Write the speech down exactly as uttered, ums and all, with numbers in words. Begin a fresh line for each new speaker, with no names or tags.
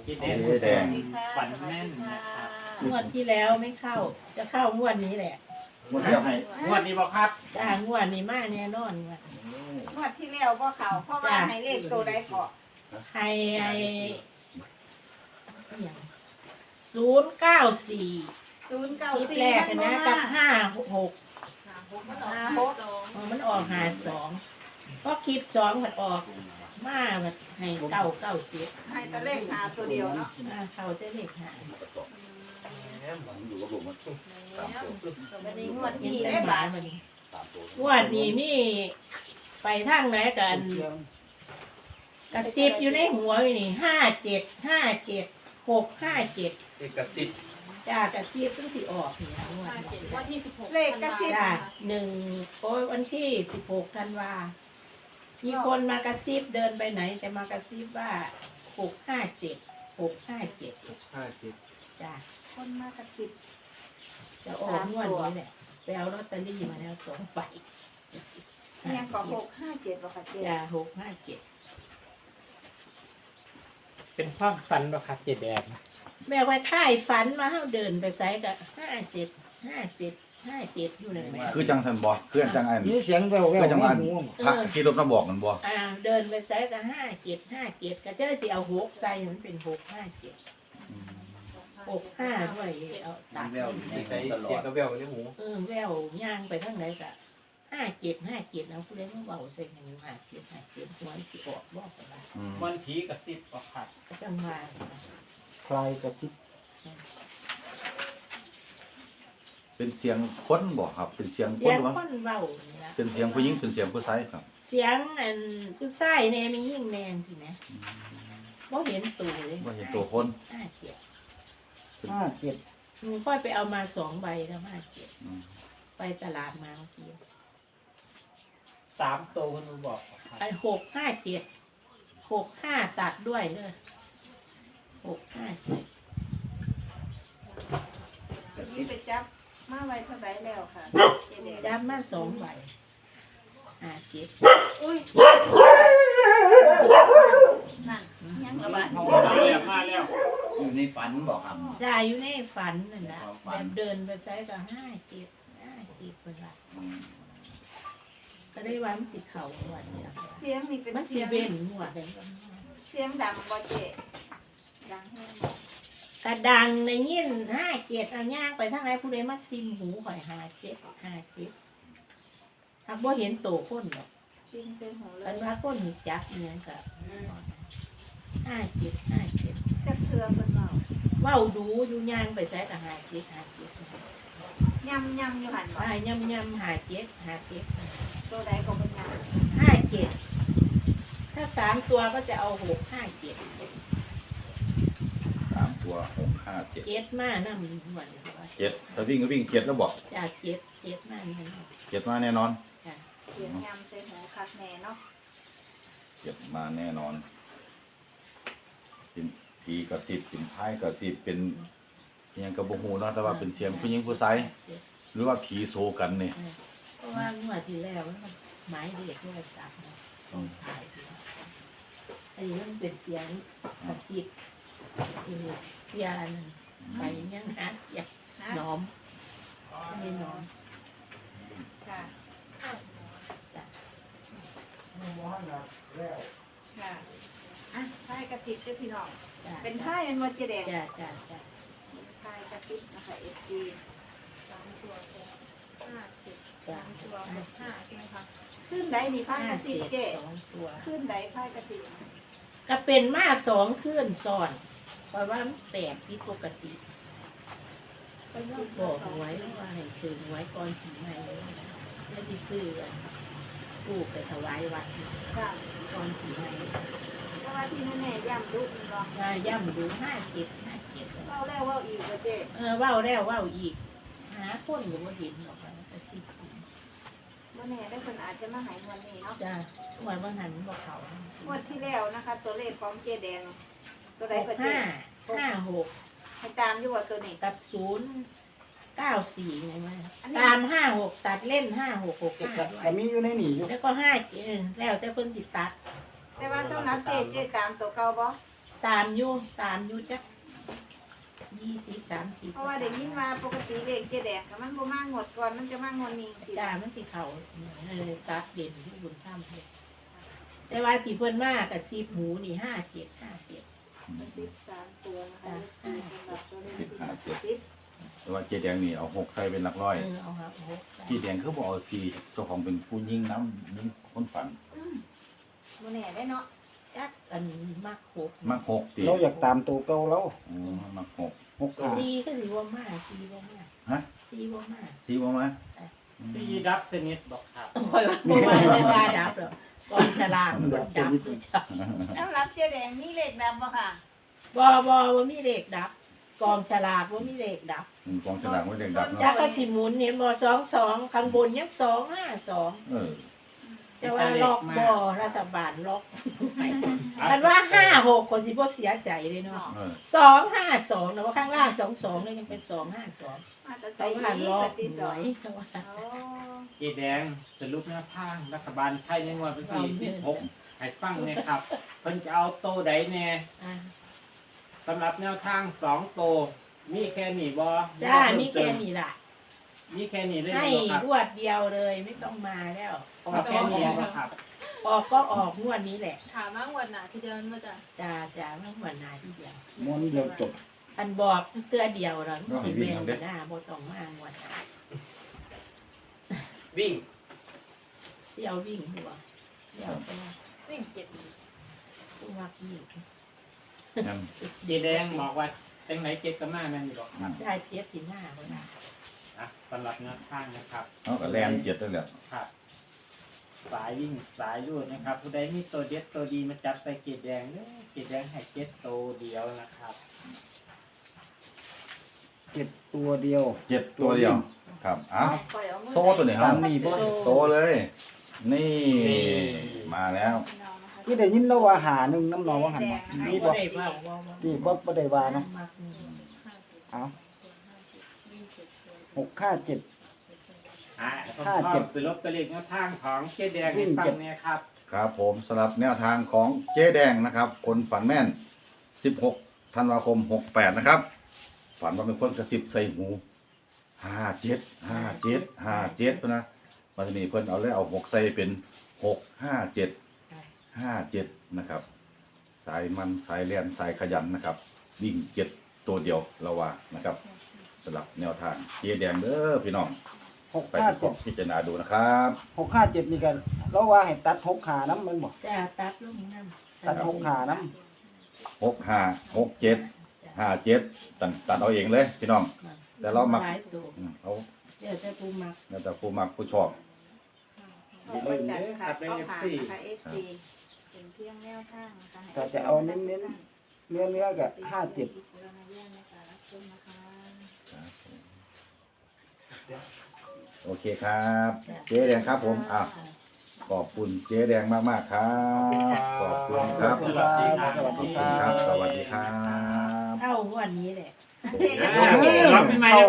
เจ๊แดง
เจ๊แดง
ฝันแม่นนะครับ
งวดที่แล้วไม่เข้า จะเข้างวดนี้แหละ
หมดแล้วให้
งวดนี้บอกครับ
จ้างวดนี้มาแน่นอนงวดนี้
งวดที่แล้วบ่เขาเพราะว่าให้เลขตัวใดเกาะ
ให้ไอ้ศูนย์เก้าสี่
ศูนย์เก้า
คลิป
สี่
แรก
มัน
นะ
บ่
กับ
มา
ห้าหก
ห้าหก
มันออกหาสองเพราะคลิปสองมันออกมาแบบให้เก้าเก้าเจ็ด
ให้แต่เลขหาตัวเดียวเนาะ
อ่าเขาจะเลขหา
อยู่กับผมมันสามตัว
วันนี้งวด
เห็น
นี้
แต่
ได้
หมา
บาท
วันนี้
สามตัว
งวดนี้มีไปทางไหนกันกระซิบอยู่ในหัวอยู่นี่ห้าเจ็ดห้าเจ็ดหกห้าเจ็ด
เอกสิทธิ์
จ้ากระซิบต้องสิออกเนี่ยงวดนี้
วันที่สิบหก
เลขกระซิบ
จ้าหนึ่งโอ้ยวันที่สิบหกธันวามีคนมากระซิบเดินไปไหนแต่มากระซิบว่าหกห้าเจ็ดหกห้าเจ็ด
ห้าสิบ
จ้า
คนมากระซิบ
จะออกงวดนี้แหละไปเอาลอตเตอรี่มาแล้วสองใบ
ยังก็หกห้าเจ็ดบ่ค่ะเจ๊
จ้าหกห้าเจ็ด
เป็นความฝันบ่ครับเจ๊แดง
แม่ว่าค่ายฝันมาเฮาเดินไปไสก็ห้าเจ็ดห้าเจ็ดห้าเจ็ดอยู่นั่นแหละ
คือจังสันบ่คือจังอัน
มีเสียงแววแว
คื
ว
อจังอัน
หู
พระขี่รถมาบอกกันบ่
อ่าเดินไปไสก็ห้าเจ็ดห้าเจ็ดก็จะสิเอาหกใส่มันเป็นหกห้าเจ็ดหกห้าด้วยเอาตัด
มีใส่เสียงกระเบลในหู
เออแววย่างไปทางไหนก็ห้าเจ็ดห้าเจ็ดเอาผู้ใดมาเบาใส่หนึ่งห้าเจ็ดห้าเจ็ดหัวสิออกบอกกันละ
อืม
วันผีกระซิบบอกครับ
ก็จังว่า
คลายกระซิบ
เป็นเสียงคนบ่ครับ เป็นเสียงค
เสีย
น
ง
วะ
คนเบานี่ละ
เป็นเสียงผู้หญิงเป็นเสียงผู้ชายครับ
เสียงอันผู้ชายแน่ไม่ยิ่งแนนสิแหมบ่เห็นตัวเลย
บ่เห็นตัวคน
ห้าเจ็ด
ห้าเจ็ด
หนูค่อยไปเอามาสองใบแล้วห้าเจ็ด
อืม
ไปตลาดมาเมื่อกี้
สามตัวมันบอกครับ
ไอ้หกห้าเจ็ดหกห้าตัดด้วยเลยหกห้าเจ็ด
นี่ไปจับมาไว้เท่าไหร่แล้วค่ะเจ๊แดง
จับมาสองใบห้าเจ็ด
อุ้ยนั่นยังระบาด
มาแล้วมาแล้ว
อยู่ในฝันบอกครับ
จ่ายอยู่ในฝันนั่นนะ
ความฝั
แบ
น
บเดินไปใช้ก็ห้าเจ็ดห้าเจ็ดเป็นไร
อืม
ก็ได้วันสิเข่าวันเดียว
เสียงนี่เป็น
มันสิ
เสียง
เว้นหัวเดียว
เสียงดังบ่เจ๊ดังแห้งบ่
กระดังในยินห้าเจ็ดเอาย่างไปทางไหนผู้ใดมาซิมหูข่อยห้าเจ็ดห้าเจ็ดถ้าบ่เห็นโตคนหรอก
ซิงเส้นหัวเล
กัน
ย
ว่าคนหูจักเนี่ยก็ห้าเจ็ดห้าเจ็ด
จักเทือเพิ่นเว้า
เว้าดูอยู่ย่างไปใช้ก็ห้าเจ็ดห้าเจ็ด
ยำยำอยู่หันบ่
อ่าย่ำย่ำห้าเจ็ดห้าเจ็ด
ตัวใดก็เป็นยำ
ห้าเจ็ดถ้าสามตัวก็จะเอาหกห้าเจ็ด
สามตัวหกห้าเจ็ด
เจ็ดมานั่งหวัน
เจ็ดถ้าวิ่งก็วิ่งเจ็ดแล้วบอก
จากเจ็ดเจ็ดมานั่ง
เจ็ดมาแน่นอน
เสียงยำเส้นหัวคักแน่เนาะ
เจ็ดมาแน่นอนเป็นผีกระสิบเป็นท้ายกระสิบเป็นอิหยังกระบหูเนาะแต่ว่าเป็นเสียงผู้หญิงผู้ชายหรือว่าผีโซกันเนี่ย
เพราะว่างวดที่แล้วมันหมายเด็กโทรศัพท์นะต้องถ่ายดูอันนี้มันเป็นเสียงกระซิบเออเสียนไปยังหาเสียง
นะ
น้อมไม่น้อม
ค่ะ
จ้ะ
ค่ะอ่ะพายกระซิบเด้อพี่น้อง
จ้ะ
เป็นพายเป็นมดเจแดง
จ้ะจ้ะจ้ะ
พายกระซิบนะคะเอฟซีสามตัวห้าเจ็ด
จ้ะ
สามตัวหกห้าใช่ไหมคะขึ้นใดนี่พาย
ห้าก
ระซิ
เจ็
บ
ด
เจ๊
สองตัว
ขึ้นใดพายกระซิบ
ก็เป็นมาสองขึ้นซ้อนเพราะว่ามันแปลกที่ปกติก็ต้องบอกเอาไว้ว่าให้ถึงไว้ก่อนถึงไหนแล้วที่ซื้อลูกไปถวายวัด
ค่ะ
ก่อนถึงไหน
เพราะว่าที่แน่ๆย่ำดุนี่เนาะ
ว่าย่ำดูห้าเจ็ดห้าเจ็ด
เล่าแล้วเว่าอีกว่าเจ๊
เออเว้าแล้วเว้าอีก หาคนก็บ่เห็นหรอกค่ะกระซิบ
เมื่อแน่ได้คนอาจจะมาหายวันนี้เนาะ
จ้าหวยบางหันบอกเขา
งวดที่แล้วนะคะ ตัวเลขของเจ๊แดง ตัวใด
หก
ก็เจ๊
ห้าห้าหก
ให้ตามอยู่ว่าตัวนี้
กับศูนย์เก้าสี่ไงวะ
อันนี้
ตามห้าหกตัดเล่นห้าหกหกห้าด้ว
แต่
ย
มีอยู่ในหนีอยู่
แล้วก็ห้าเจ็ดแล้วแต่เพิ่นสิตัด
แต่ว่าสำหรับเจ๊เจ๊ตามตัวเก่าบ่
ตามอยู่ตามอยู่จักยี่สิบสามสิบ
เพราะว่าเด็กยินว่าปกติเลขเจ๊แดงกับมันบ่มางวดก่อนมันจะมางวดนี้สิ
จ้ามันสิเขาเลยตัดเด่นที่บุญข้ามให้แต่ว่าที่เพิ่นมากกับซีบหมูนี่ห้าเจ็ดห้าเจ็ด
สิบสามตัวนะคะเอฟซีสำหรับตัวเลข
สิบห้าเจ็ด
สิบ
แต่ว่าเจ๊แดงนี่เอาหกใส่เป็นหลักร้อย
เออเอาครับโอ้โห
เจ๊แดงคือบ่เอาสี่เจ้าของเป็นผู้ยิ่งน้ำยิ่งคนฝัน
อืมบ่แน่ได้เนาะ
จักอันมากหก
มักหกตี
เราอยากตามตัวเก่าแล้ว
อ๋อมักหก
หกห้า
ซีก็สิว่ามากซีว่ามาก
ฮะ
ซีว่ามาก
สี่บ่มา
ซีดับสนิทบอกครับ
คอยว่าบ่ว่าไม่ว่าดับหรอกกองฉลากมันดับคือจับ
แล้วรับเจ๊แดงมีเลขดำบ่ค่ะ
บ่บ่ว่ามีเลขดับ กองฉลากว่ามีเลขดับ
อืมกองฉลากไว้เด็กดับ
จัก
เนาะ
ก็สิหมุนเห็นบ่สองสองข้างบนยังสองห้าสอง
เออ
แต่ว่าล็อกบ่รัฐบาลล็อกมันว่าห้าหกคนสิบ่เสียใจเลยเนาะ
เออ
สองห้าสองนะว่าข้างล่างสองสองเลยยังเป็นสองห้าสอง
มาแต่ใจ
เขา
ดี
ผ่านล็อก
ติด
ห
ต่อ
วยแต่ว่า
โอ้
เจแดงสรุปแนวทางรัฐบาลไทยในงวดวันที่สิบหกให้ฟังเนี่ยครับเพิ่นจะเอาโตใดแน่
อ่า
สำหรับแนวทางสองโตมีแค่นี้บ่
จ้านี่แค่นี้ล่ะ
มีแค่นี้เลย
ให้
บ่ครับ
รวดเดียวเลยไม่ต้องมาแล้ว
เอาแค่นี้บ่ครับ
ออกก็ออกงวดนี้แหละ
ถามว่างวดหน้าที่เดินมาจ้ะ
จ้าจ้าไม่หวนหนาที่เดียว
ม้วนเดียวจบ
อันบอกเตือเดียวเราสิเบงหน้าบ่ต้องมางวดหน้า
วิ่ง
เสี่ยววิ่งหัวเสี่ยวไปว่า
วิ่งเจ็ด
ผู้มักวิ่ง
นั่น
เจแดงบอกว่าจังไหนเจ็ดก็มาแม่นอยู่หรอกครับ
ใช่เจ็ดสิบห้าบ่ได้
อ่ะสำหรับแนวทางนะครับ
เอาก็แลนเจ็ดนั่นแหละ
ครับ สายวิ่งสายรูดนะครับ ผู้ใดมีตัวเด็ดตัวดีมาจับใส่เกจแดงเด้อเกจแดงให้เจ็ดตัวเดียวนะครับ
เจ็ดตัวเดียว
เจ็ดตัวเดียว ครับอ้าว
ปล่อยเอามือ
โซ่ตัวไหนครับ
นี่บ่
โตเลย นี่มาแล้ว
ที่ได้ยินแล้วว่าหาหนึ่งน้ำนองว่าหันมานี่
บ่
บ่
ได้ว่าว่าว่า
ที่บ่บ่ได้ว่าเนาะ
มักนี่
เอาหกห้าเจ็ด
อ่าผม
ห้า
ชอ
เจ็
บ
ด
สรุปตัวเลขแนวทางของเกจแดงให้ฟังเนี่ยครับ
ครับผมสำหรับแนวทางของเจ๊แดงนะครับ คนฝันแม่น สิบหก ธันวาคม หกแปด นะครับ ฝันว่าเป็นคนกระซิบใส่หู ห้าเจ็ด ห้าเจ็ด ห้าเจ็ดนะมันจะมีเพิ่นเอาเลยเอาหกใส่เป็น หก ห้า เจ็ด ห้า เจ็ด นะครับ สายมันสายเลียนสายขยันนะครับ วิ่งเจ็ดตัวเดียวละว่านะครับสำหรับแนวทางเจ๊แดงเด้อพี่น้อง
หก
ไป
ห้า
ประก
เจ็
อ
ด
บพิจารณาดูนะครับ
หกห้าเจ็ดนี่กันเราว่าให้ตัดหกขาน้ำมันบอก
จ้าตัดลงน้ำ
ตัดหกขาน้
หก ห้า หก เจ็ด ห้า เจ็ดตัดตัดเอาเองเลยพี่น้อง แต่เรามัก
หลายตัว
อืมเอา
เดี๋ยวจะปูมัก
แล้วแต่ผู้มักผู้ชอบ
เอาไปจัดค่ะเอาผ่านนะคะ เอฟ ซี เป็นเพียงแนวทางนะคะให้
ำแต่จะเอาเน้นเน้นๆเนื้อเนื้อกับห้าเจ็ด
พิจารณาเรื่องในการรับชมนะคะ
โอเคครับ เจ๊แดงครับผมอ่ะขอบคุณเจ๊แดงมากๆครับ ขอบคุณครับ
สวัสดีครับ
สวัสดีครั
ครับ บ สวัสดีครับ
เข้างวดนี้แหละ
อ่ารับปีใหม่